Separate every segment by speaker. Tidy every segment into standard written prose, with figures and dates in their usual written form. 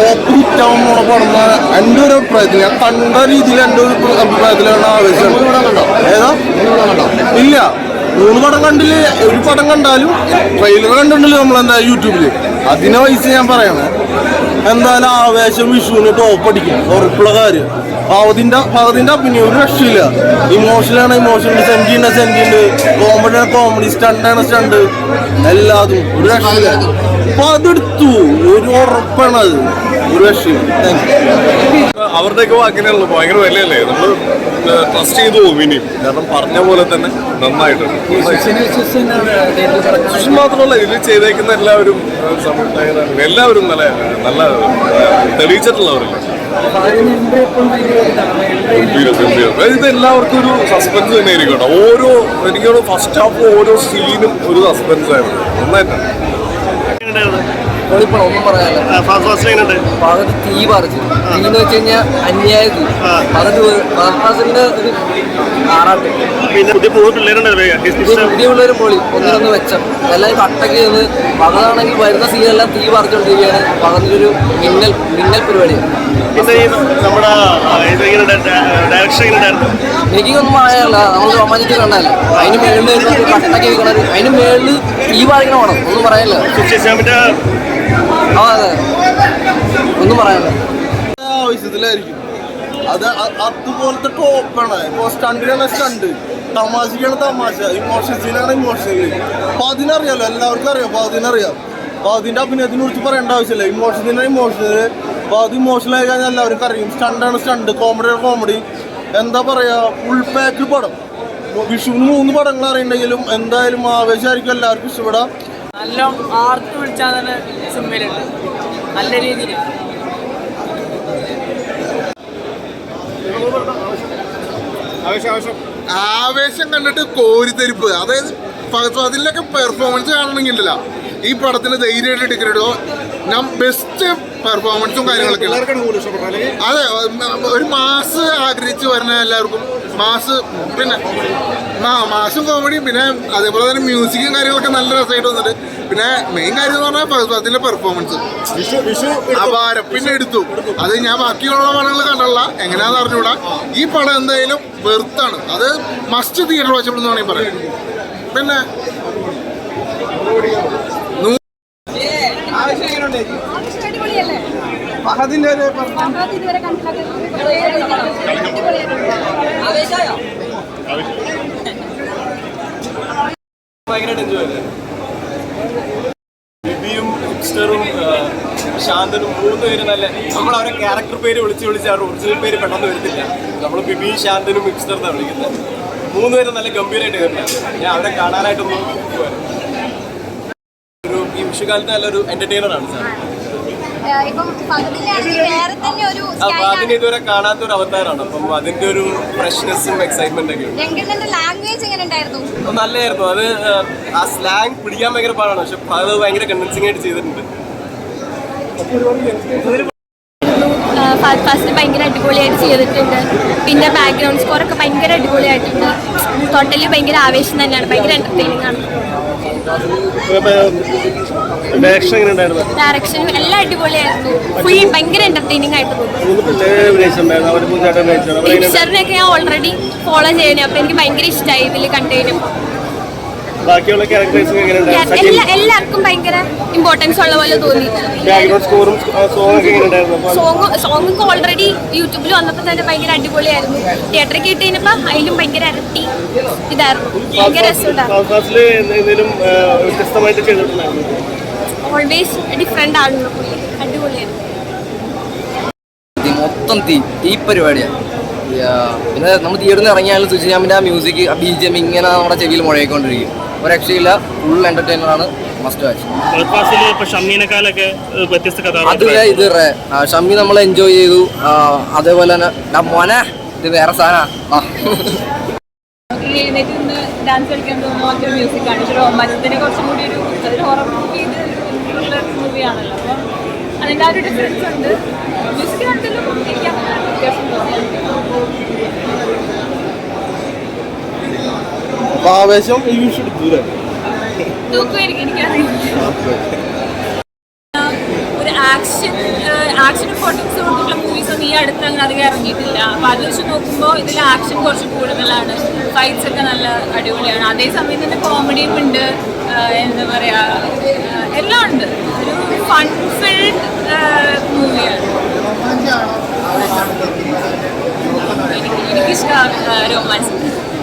Speaker 1: Top ഹിറ്റാവുന്ന പടന്ന എൻ്റെ ഒരു അഭിപ്രായത്തിൽ ഞാൻ കണ്ട രീതിയിൽ എൻ്റെ ഒരു അഭിപ്രായത്തിലാണ് ആവേശം. ഏതാ? ഇല്ല, 3 പടം കണ്ടില്ല. ഒരു പടം കണ്ടാലും ട്രെയിലർ കണ്ടിട്ടില്ല നമ്മളെന്താ യൂട്യൂബിൽ. അതിനെ വയസ്സ് ഞാൻ പറയണേ, എന്തായാലും ആവേശം വിഷുവിന് ടോപ്പ് അടിക്കും, ഉറപ്പുള്ള കാര്യം. ഭാഗത്തിന്റെ അഭിനയം ഒരു രക്ഷയില്ല. ഇമോഷനാണ് ഇമോഷൻ, സെന്റിണ്ട്, കോമഡിയാണ് കോമഡി, സ്റ്റണ്ടാണ് സ്റ്റണ്ട്, എല്ലാതും ഒരു രക്ഷയില്ല. അപ്പൊ അതെടുത്തു ഒരു ഉറപ്പാണ്, അത് ഒരു രക്ഷയും.
Speaker 2: അവരുടെയൊക്കെ വാക്കിനുള്ളൂ, ഭയങ്കര വിലയല്ലേ, നമ്മൾ ട്രസ്റ്റ് ചെയ്തു പോകും ഇനിയും. കാരണം പറഞ്ഞ പോലെ തന്നെ നന്നായിട്ടുണ്ട്. മാത്രമല്ല ഇതിൽ ചെയ്തേക്കുന്ന എല്ലാവരും എല്ലാവരും നല്ല നല്ല തെളിയിച്ചിട്ടുള്ളവരല്ലേ. ഇത് എല്ലാവർക്കും ഒരു സസ്പെൻസ് തന്നെ ആയിരിക്കും കേട്ടോ. എനിക്ക് ഫസ്റ്റ് ഹാഫ് ഓരോ സീനും ഒരു സസ്പെൻസ് ആയിരുന്നു, നന്നായിട്ടാണ്.
Speaker 3: ഒന്നും പറയാനില്ല. പകുതി തീ പറിച്ചു. തീന്ന് വെച്ച് കഴിഞ്ഞാൽ അന്യായ തീ. പകുതി ഫാസിന്റെ ഒരു ആറാട്ട്.
Speaker 4: പിന്നെ പുതിയ
Speaker 3: പിള്ളേരും പൊളി ഒന്നിനൊന്ന് വെച്ചം എല്ലാം കട്ടക്ക് നിന്ന്. പകതാണെങ്കിൽ വരുന്ന സീനെല്ലാം തീ പറിച്ചുകൊണ്ടിരിക്കുകയാണ്. പകതിലൊരു മിന്നൽ പരിപാടിയാണ്. എനിക്കൊന്നും പറയാനില്ല. നമ്മൾ റൊമാൻറ്റിക് കണ്ടല്ല. അതിന് മേളിൽ കട്ടക്ക് വെക്കണത്, അതിന് മേളിൽ തീ പറിക്കണ വേണം. ഒന്നും പറയാനില്ല. അതെ, ഒന്നും പറയാനില്ല.
Speaker 1: ആവശ്യത്തിലായിരിക്കും അത്. അതുപോലത്തെ ടോപ്പാണ്. ഇപ്പോൾ സ്റ്റണ്ടിനാണ് സ്റ്റണ്ട്, തമാശക്കാണ് തമാശ, ഇമോഷൻസിനാണ് ഇമോഷണൽ. അപ്പൊ അതിനറിയാലോ, എല്ലാവർക്കും അറിയാം. അപ്പൊ അതിനറിയാം. അപ്പൊ അതിന്റെ അഭിനയത്തിനെ കുറിച്ച് പറയേണ്ട ആവശ്യമില്ല. ഇമോഷൻസിനാണ് ഇമോഷണൽ. അപ്പൊ അത് ഇമോഷണൽ ആയി കഴിഞ്ഞാൽ എല്ലാവർക്കും അറിയും. സ്റ്റണ്ടാണ് സ്റ്റണ്ട്, കോമഡിയാണ് കോമഡി. എന്താ പറയാ, ഫുൾ പാക്ക് പടം. വിഷുവിന് 3 പടങ്ങൾ അറിയണ്ടെങ്കിലും എന്തായാലും ആവേശമായിരിക്കും എല്ലാവർക്കും ഇഷ്ടപ്പെടാം.
Speaker 5: നല്ല ആർത്ത് വിളിച്ചാൽ തന്നെ സിനിമയിലുണ്ട്, നല്ല രീതിയിൽ.
Speaker 6: ആവേശം കണ്ടിട്ട് കോരിത്തെരിപ്പ്. അതായത് അതിലൊക്കെ പെർഫോമൻസ് കാണണമെങ്കിലല്ല, ഈ പടത്തിന് ധൈര്യമായിട്ട് ടിക്കറ്റ് എടുത്തോ. ഞാൻ ബെസ്റ്റ് പെർഫോമൻസും കാര്യങ്ങളൊക്കെ. അതെ, ഒരു മാസ് ആഗ്രഹിച്ച് വരുന്ന എല്ലാവർക്കും മാസ്. പിന്നെ മാസും കോമഡിയും, പിന്നെ അതേപോലെ തന്നെ മ്യൂസിക്കും കാര്യങ്ങളൊക്കെ നല്ല രസമായിട്ട് വന്നിട്ട്. പിന്നെ മെയിൻ കാര്യം എന്ന് പറഞ്ഞാൽ അതിന്റെ പെർഫോമൻസ് അപാരം. പിന്നെ എടുത്തു അത് ഞാൻ ബാക്കിയുള്ള പടങ്ങൾ കണ്ടല്ല, എങ്ങനെയാന്ന് അറിഞ്ഞൂടാ. ഈ പടം എന്തായാലും വെറുത്താണ്. അത് മസ്റ്റ് തിയേറ്റർ വാച്ചബിൾ എന്ന് വേണമെങ്കിൽ പറയാം. പിന്നെ
Speaker 2: ബിബിയും ഹിപ്സ്റ്ററും ശാന്തനും 3 പേര് നല്ല, നമ്മൾ അവരെ ക്യാരക്ടർ പേര് വിളിച്ച് അവരുടെ ഒറിജിനൽ പേര് പെട്ടെന്ന് വരത്തില്ല. നമ്മൾ ബിബിയും ശാന്തനും ഹിപ്സ്റ്റർ എന്നാണ് വിളിക്കുന്നത്. 3 പേരും നല്ല ഗംഭീരമായിട്ട് വരുന്നത്. ഞാൻ അവരെ കാണാനായിട്ടൊന്നും ഈ വിഷുകാലത്ത് നല്ലൊരു എന്റർടൈനറാണ് സാർ. അതിന് ഇതുവരെ കാണാത്തൊരു അവതാരമാണ്. അപ്പം അതിന്റെ ഒരു ഫ്രഷ്നെസ്സും എക്സൈറ്റ്മെന്റ് ഒക്കെ നല്ലായിരുന്നു. അത് ആ സ്ലാങ് പിടിക്കാൻ ഭയങ്കര പാടാണ്, പക്ഷെ അത് ഭയങ്കര കൺവിൻസിംഗ് ആയിട്ട് ചെയ്തിട്ടുണ്ട്.
Speaker 7: ഫസ്റ്റ് ഭയങ്കര അടിപൊളിയായിട്ട് ചെയ്തിട്ടുണ്ട്. പിന്നെ ബാക്ക്ഗ്രൗണ്ട് സ്കോർ ഒക്കെ ഭയങ്കര അടിപൊളിയായിട്ടുണ്ട്. ടോട്ടലി ഭയങ്കര ആവേശം തന്നെയാണ്, ഭയങ്കര എന്റർടൈനിങ് ആണ്. ഡയറക്ഷനും എല്ലാം അടിപൊളിയായിരുന്നു. ഫുൾ ഭയങ്കര എന്റർടൈനിങ് ആയിട്ട് തോന്നുന്നു. പിക്ചറിനൊക്കെ ഞാൻ ഓൾറെഡി ഫോളോ ചെയ്യണേ, അപ്പൊ എനിക്ക് ഭയങ്കര ഇഷ്ടമായി ഇതിൽ കണ്ടതിനും. എല്ലാവർക്കും ഭയങ്കര ഇമ്പോർട്ടൻസ് ഉള്ള പോലെ തോന്നി. സോങ്ങൊക്കെ ഓൾറെഡി യൂട്യൂബിൽ വന്നപ്പോൾ തന്നെ ഭയങ്കര അടിപൊളിയായിരുന്നു. തിയേറ്ററിൽ കിട്ടിയപ്പോ അതിലും ഭയങ്കര ഇരട്ടി ഇതായിരുന്നു. ഭയങ്കര രസമുണ്ടായിരുന്നു. ഓൾവേസ് ഡിഫറെന്റ് ആണല്ലോ, അടിപൊളിയായിരുന്നു.
Speaker 3: മൊത്തം തീ പരിപാടിയാണ്. പിന്നെ നമ്മൾ തിയേറ്ററിൽ നിന്ന് ഇറങ്ങിയാലും സുജിയാമിൻ്റെ ആ മ്യൂസിക്, ആ BGM ഇങ്ങനെ നമ്മുടെ ചെവിയിൽ മുഴങ്ങിക്കൊണ്ടിരിക്കും. ഒരു രക്ഷയില്ല, ഫുൾ എന്റർടൈനറാണ്, മസ്റ്റ് വാച്ച്. അതിലെ ഇത് ഷമ്മി നമ്മൾ എൻജോയ് ചെയ്തു. അതേപോലെ തന്നെ മോനെ ഇത് വേറെ സാധനമാണ്.
Speaker 5: ഡാൻസ് കളിക്കാൻ തോന്നുന്ന മ്യൂസിക്കാണ്. റൊമാൻസിനെ കുറച്ചും കൂടി ഒരു ഹൊറർ മൂവിയാണല്ലോ, അപ്പം അതിൻ്റെ ആ ഒരു ഡിഫറൻസ് ഉണ്ട്. മ്യൂസിക് കണ്ടല്ലോ എനിക്ക് അങ്ങനെ വ്യത്യാസം
Speaker 1: ആവേശം ഈ വിഷു എടുത്തൂല്ലേ?
Speaker 5: തൂക്കുമായിരിക്കും, എനിക്കറിയില്ല. ഒരു ആക്ഷൻ ഇമ്പോർട്ടൻസ് കൊടുത്തിട്ടുള്ള മൂവീസ് ഒന്നും ഈ അടുത്ത് അങ്ങനെ അധികം ഇറങ്ങിയിട്ടില്ല. അപ്പോൾ അത് വെച്ച് നോക്കുമ്പോൾ ഇതിൽ ആക്ഷൻ കുറച്ച് കൂടുതലാണ്, ഫൈറ്റ്സ് ഒക്കെ നല്ല അടിപൊളിയാണ്. അതേസമയം തന്നെ കോമഡിയും ഉണ്ട്, എന്താ പറയുക, എല്ലാം ഉണ്ട്. ഒരു ഫൺ ഫിൽഡ് മൂവിയാണ്. എനിക്കിഷ്ടമാണ് റൊമാൻസ്.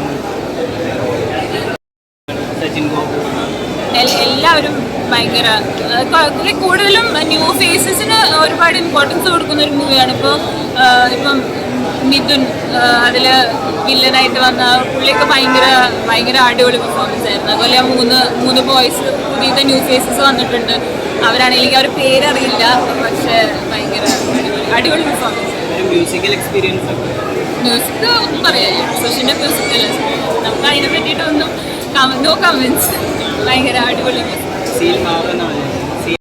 Speaker 5: എല്ലാവരും ഭയങ്കര കൂടുതലും ന്യൂ ഫേസസിന് ഒരുപാട് ഇമ്പോർട്ടൻസ് കൊടുക്കുന്ന ഒരു മൂവിയാണ്. ഇപ്പം മിഥുൻ അതിൽ വില്ലനായിട്ട് വന്ന പുള്ളിയൊക്കെ ഭയങ്കര അടിപൊളി പെർഫോമൻസ് ആയിരുന്നു. അതുപോലെ മൂന്ന് ബോയ്സ് പുതിയ ന്യൂ ഫേസസ് വന്നിട്ടുണ്ട്. അവരാണെങ്കിൽ അവർ പേരറിയില്ല, പക്ഷേ ഭയങ്കര അടിപൊളി പെർഫോമൻസ്.
Speaker 3: മ്യൂസിക്കൽ എക്സ്പീരിയൻസ്
Speaker 5: മ്യൂസിക് ഒന്നും പറയാനില്ല, സുഷിൻ്റെ മ്യൂസിക്കൽ നമുക്ക് അതിനെ പറ്റിയിട്ടൊന്നും നോ കമൻസ്. ഭയങ്കര അടിപൊളി
Speaker 3: സീൽ മാവുന്നതാണ്.